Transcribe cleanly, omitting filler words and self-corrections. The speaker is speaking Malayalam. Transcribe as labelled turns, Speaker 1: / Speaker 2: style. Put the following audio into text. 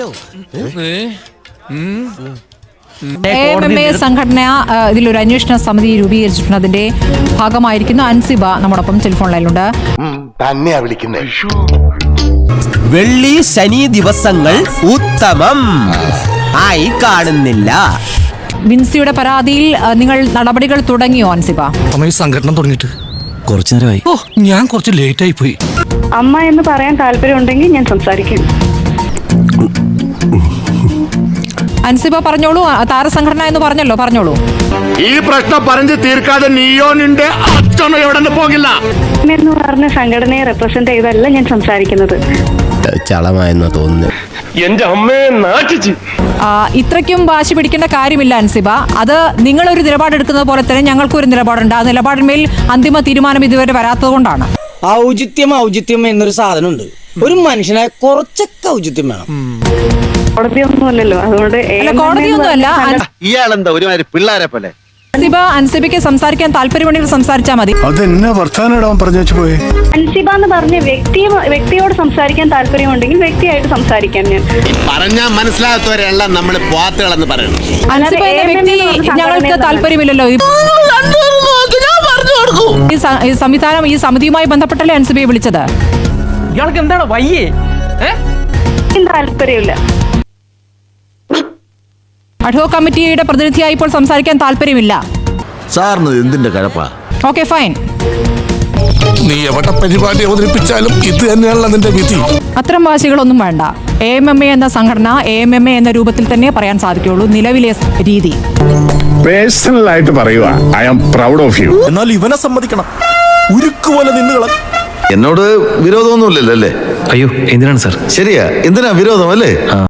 Speaker 1: AMMA സംഘടന ഇതിലൊരു അന്വേഷണ സമിതി രൂപീകരിച്ചിട്ടുണ്ട്. അതിന്റെ ഭാഗമായിരിക്കുന്ന അൻസിബ നമ്മോടൊപ്പം ടെലിഫോൺ ലൈനിലുണ്ട്.
Speaker 2: വെള്ളി ശനി ദിവസങ്ങൾ ഉത്തമം ആയി കാണുന്നില്ല.
Speaker 1: വിൻസിയുടെ പരാതിയിൽ നിങ്ങൾ നടപടികൾ തുടങ്ങിയോ അൻസിബ?
Speaker 3: ഈ സംഘടന തുടങ്ങിയിട്ട്
Speaker 4: കുറച്ചു നേരമായി.
Speaker 3: ഞാൻ കുറച്ച് ലേറ്റ് ആയി പോയി.
Speaker 5: അമ്മ എന്ന് പറയാൻ താല്പര്യമുണ്ടെങ്കിൽ ഞാൻ സംസാരിക്കും.
Speaker 1: അൻസിബ പറഞ്ഞോളൂ. താരസംഘടന എന്ന് പറഞ്ഞോളൂ.
Speaker 6: ഈ പ്രശ്നം പറഞ്ഞു തീർക്കാതെ നീയോനിന്റെ അച്ഛനും എവിടെ പോകില്ല
Speaker 5: എന്ന് പറഞ്ഞ സംഘടനയെ റെപ്രസെന്റ് ചെയ്തല്ല ഞാൻ സംസാരിക്കുന്നത്.
Speaker 2: ചളമായെന്ന് തോന്നുന്നു.
Speaker 6: എന്റെ അമ്മയെ നാട്ടിച്ച്
Speaker 1: ഇത്രയ്ക്കും വാശി പിടിക്കേണ്ട കാര്യമില്ല അൻസിബ. അത് നിങ്ങളൊരു നിലപാടെടുക്കുന്നത് പോലെ തന്നെ ഞങ്ങൾക്കൊരു നിലപാടുണ്ട്. ആ നിലപാടിന്മേൽ അന്തിമ തീരുമാനം ഇതുവരെ വരാത്തത് കൊണ്ടാണ്.
Speaker 7: ഔചിത്യം എന്നൊരു സാധനമുണ്ട്. ഒരു മനുഷ്യനെ കുറച്ചൊക്കെ ഔചിത്യം വേണം.
Speaker 5: കോടതിയൊന്നുമല്ലല്ലോ, അതുകൊണ്ട്
Speaker 1: കോടതിയൊന്നുമല്ല.
Speaker 4: ഇയാളെന്താ ഒരുമാതിരി പിള്ളേരെ പോലെ.
Speaker 1: അൻസിബയ്ക്ക് സംസാരിക്കാൻ താല്പര്യമുണ്ടെങ്കിൽ സംസാരിച്ചാൽ മതി.
Speaker 6: അതെന്നെ വർത്താനം പറഞ്ഞു വെച്ച് പോയി.
Speaker 5: അൻസിബ എന്ന് പറഞ്ഞ വ്യക്തിയോട് സംസാരിക്കാൻ താല്പര്യമുണ്ടെങ്കിൽ വ്യക്തിയായിട്ട് സംസാരിക്കാം. ഞാൻ
Speaker 4: പറഞ്ഞാൽ മനസ്സിലാകാത്തവരെല്ലാം നമ്മൾ പോത്തുകളെന്ന് പറയണം.
Speaker 1: അൻസിബ എന്ന വ്യക്തി ഞങ്ങൾക്ക് താല്പര്യമില്ലല്ലോ. ഈ സംവിധാനം ഈ സമിതിയുമായി ബന്ധപ്പെട്ടല്ലേ അൻസിബയെ വിളിച്ചത്?
Speaker 7: ഇയാൾക്ക് എന്താണ് വയ്യേ?
Speaker 5: താല്പര്യമില്ല.
Speaker 1: അഡ്ഹോ കമ്മിറ്റിയുടെ പ്രതിനിധിയായി ഇപ്പോൾ സംസാരിക്കാൻ താല്പര്യമില്ല.
Speaker 4: സാറിന് എന്തിന്റെ കഴപ്പാ?
Speaker 1: Okay, fine.
Speaker 3: നീ എവിടെ പരിപാടി അവതരിപ്പിച്ചാലും ഇത് തന്നെയാണല്ലോ നിന്റെ വിധി.
Speaker 1: അത്തരം വാശികളൊന്നും വേണ്ട. AMMA എന്ന സംഘടന AMMA എന്ന രൂപത്തിൽ തന്നെ പറയാൻ സാധിക്കുള്ളൂ. നിലവിലെ രീതി
Speaker 6: പേഴ്സണൽ ആയിട്ട് പറയുക, I am proud of you.
Speaker 3: എന്നാൽ ഇവനെ സമ്മതിക്കണം. ഉരുക്കുപോലെ നിന്നുകള.
Speaker 4: എന്നോട് വിരോധമൊന്നുമില്ലല്ലോ അല്ലേ?
Speaker 8: അയ്യോ, എന്തിനാണ് സാർ?
Speaker 4: ശരിയാ, എന്തിനാ വിരോധം അല്ലേ?